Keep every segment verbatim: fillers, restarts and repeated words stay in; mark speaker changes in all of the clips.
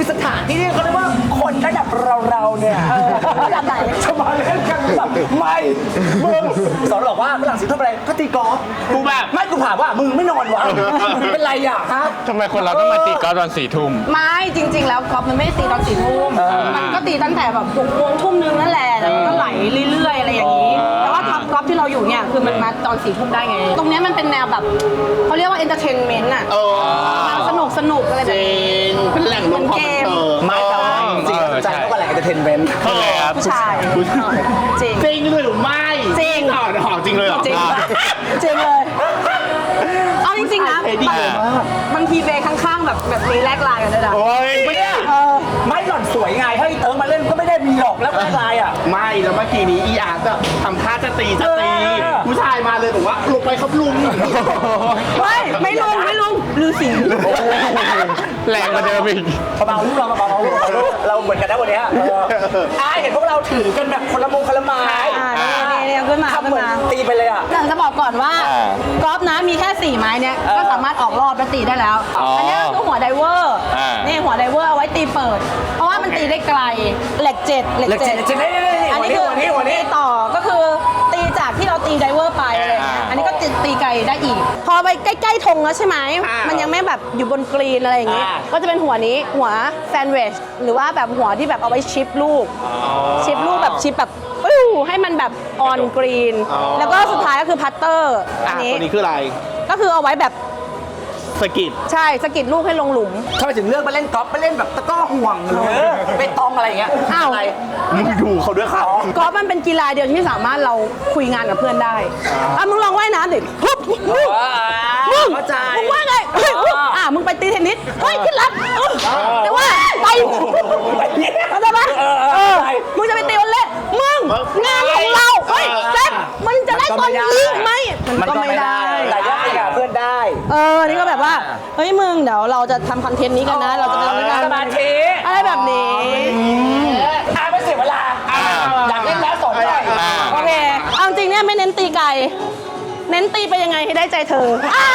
Speaker 1: สถานที่ที่เขาเรียกว่าคนระดับเราๆเนี่ยระดับไหนจะมาเล่นกันแบบไม่มึงสอนบอกว่าฝรั่งเศสทำอะไรก็ตีกอล์ฟกูแบบไม่กูถามว่ามึงไม่นอนวะเป็นไรอ่ะฮะ
Speaker 2: ทำไมคนเราต้องมาตีกอล์ฟตอนสี่ทุ่ม
Speaker 3: ไม่จริงๆแล้วกอล์ฟมันไม่ได้ตีตอนสี่ทุ่มมันก็ตีตั้งแต่แบบหกโมงทุ่มนึงนั่นแหละแล้วก็ไหลเรื่อยๆอะไรอย่างนี้แต่ว่าท็อปกอล์ฟที่เราอยู่เนี่ยคือมันมาตอนสี่ทุ่มได้ไงตรงนี้มันเป็นแนวแบบเขาเรียกว่าเอนเตอร์เทนเมนต์อ่ะสนุกสนุกอะไรแบบนี้
Speaker 4: เป็นแหล่งรวมความบันเทิง
Speaker 1: ไม่แต่ว่าจริงใจเขาก็แหล่งเอนเตอร์เทนเมนต์
Speaker 3: ผู้ชายจริง
Speaker 4: จริงเลยหรือไม่
Speaker 3: จริง
Speaker 4: หอจริงเลยหรอ
Speaker 3: จริงจริงเลยเอาจริงๆนะบางทีเบย์ข้างๆแบบแบบมีแลกไลน์กันด้วยนะ
Speaker 1: ไม่ได้ไม่หล่อนสวยไงให้เติร์มาเล่นก็ไม่ได้มีหรอกแล้วแลกไลน์อ่ะ
Speaker 4: ไม่แล้วเมื่อกี้นี้อีอาร์จะทำท่าจะตีจะตีผู้ชายมาเลยบอกว่าลงไปครับลุง
Speaker 3: ไม่ไม่ลุงไม่ลุงลือสิ
Speaker 2: แรงกว่าเดิมอีก
Speaker 1: เบาๆลูกเราเบาๆลูกเราเหมือนกันนะวันนี้อ่าเห็นพวกเราถือกันแบบคนละมงคนละไม้
Speaker 3: นี่นี่ขึ้นมาขึ้นมา
Speaker 1: ตีไปเลยอ่ะ
Speaker 3: แต่จะบอกก่อนว่ากอล์ฟนะมีแค่สี่ไม้เนี้ยก็สามารถออกรอบและตีได้แล้วอันนี้คือหัวไดเวอร์นี่หัวไดเวอร์เอาไว้ตีเปิดเพราะว่ามันตีได้ไกลเหล็กเจ็ดเหล็กเจ็ดอันนี้คือตีต่อก็คือตีจากที่เราตีไดเวอร์ไปอะไรเงี้ยอันนี้ก็ตีไกลได้อีกพอไปใกล้ๆธงแล้วใช่ไหมมันยังไม่แบบอยู่บนกรีนอะไรอย่างงี้ก็จะเป็นหัวนี้หัวแซนด์วิชหรือว่าแบบหัวที่แบบเอาไว้ชิปลูกชิปลูกแบบชิปแบบปิ้วให้มันแบบออนกรีนแล้วก็สุดท้ายก็คือพัตเตอร์
Speaker 4: อันนี้ตัวนี้คืออะไร
Speaker 3: ก็คือเอาไว้แบบ
Speaker 4: สกิด
Speaker 3: ใช่สกิดลูกให้ลงหลุม
Speaker 1: ทำไมถึงเลือกมาเล่นกอล์ฟมาเล่นแบบตะก้อห่วงหรือไปตองอะไรอย่างเงี้ย
Speaker 3: อ้าว
Speaker 4: มึงดูเขาด้วยค่ะ
Speaker 3: กอล์ฟมันเป็นกีฬาเดียวที่สามารถเราคุยงานกับเพื่อนได้อ่ะมึงลองว่ายน้ำดิฮึบมึงมึงมึงว่าไงอ่ะมึงไปตีเทนนิสเฮ้ยขึ้นรับแต่ว่าไปเข้าใจปะมึงจะไปตีวอลเลย์มึงงานของเราเฮ้ยแจ็คมันจะได้ตอนนี้ไหมมันก็ไม่ได้
Speaker 1: แต่ยากกับเพื่อนได้
Speaker 3: เออนี่ก็แบบว่าเฮ้ยมึงเดี๋ยวเราจะทำคอนเทนต์นี้กันนะเราจะไปทำงาน
Speaker 1: สมาธิ
Speaker 3: อะไรแบบนี้
Speaker 1: อ่าไม่เสียเวลาอยากเล่นแล้วสอนหน่อย
Speaker 3: โอเคเอาจริงเนี่ยไม่เน้นตีไกลเน้นตีไปยังไงให้ได้ใจเธอ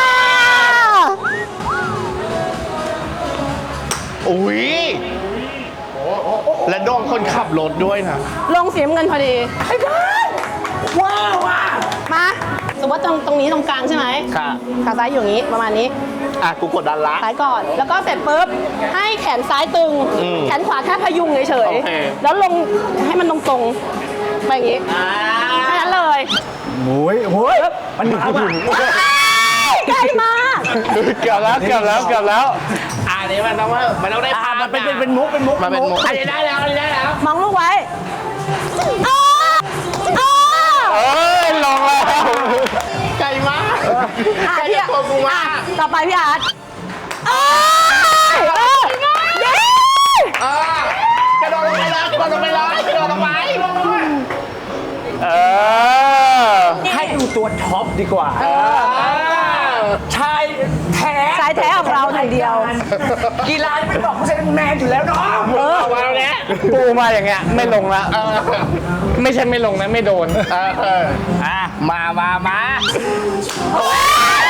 Speaker 4: อุ้ยและโดนคนขับรถด้วยนะ
Speaker 3: ลงเสียเงินพอดี
Speaker 1: ว้าวว้า
Speaker 3: มาสมมติว่าตรงตรงนี้ตรงกลางใช่ไหม
Speaker 4: ค่ะ
Speaker 3: ขาซ้ายอยู่อย่างนี้ประมาณนี้
Speaker 4: อ่ะกูกดดันละ
Speaker 3: ซ้ายก่อนแล้วก็เสร็จปุ๊บให้แขนซ้ายตึงแขนขวาแค่พยุงเฉยๆแล้วลงให้มันตรงๆไปอย่างนี้แค่นั้นเลย
Speaker 1: โอ้ยโอ้ยมันมาว่ะ
Speaker 3: ใกล้มาก
Speaker 2: เกือบแล้วเกือบแล้วเกือบแล้ว
Speaker 4: อันนี้มันต้องว่ามันต้องได้ภาพ
Speaker 1: มันเป็นเป็นมุกเป็นมุก
Speaker 4: มันเป็นมุกอันนี้ได้แล้วอันนี้ได้แล้ว
Speaker 3: มองลูกไว้
Speaker 2: เอ้ยลงแล้ว
Speaker 4: ไกลมาก
Speaker 3: อ่ะพี่อ่ะต่อไปพี่อาร์ตเออเออเย้
Speaker 4: กระโดดลงไปเลยกระโดดลงไปเลยกระโดดลงไป
Speaker 2: เออ
Speaker 1: ให้ดูตัวท็อปดีกว่าชายแท้
Speaker 3: ชายแท้ของเราหนึ่งเดียว
Speaker 1: กีฬาไม่บอกผู้ชายแมนอยู่แล้วเนาะ
Speaker 3: เออ
Speaker 4: มาแล้ว
Speaker 2: ปูมาอย่างเงี้ยไม่ลงละไม่ใช่ไม่ลงนะไม่โดน
Speaker 4: อ่ะมามามา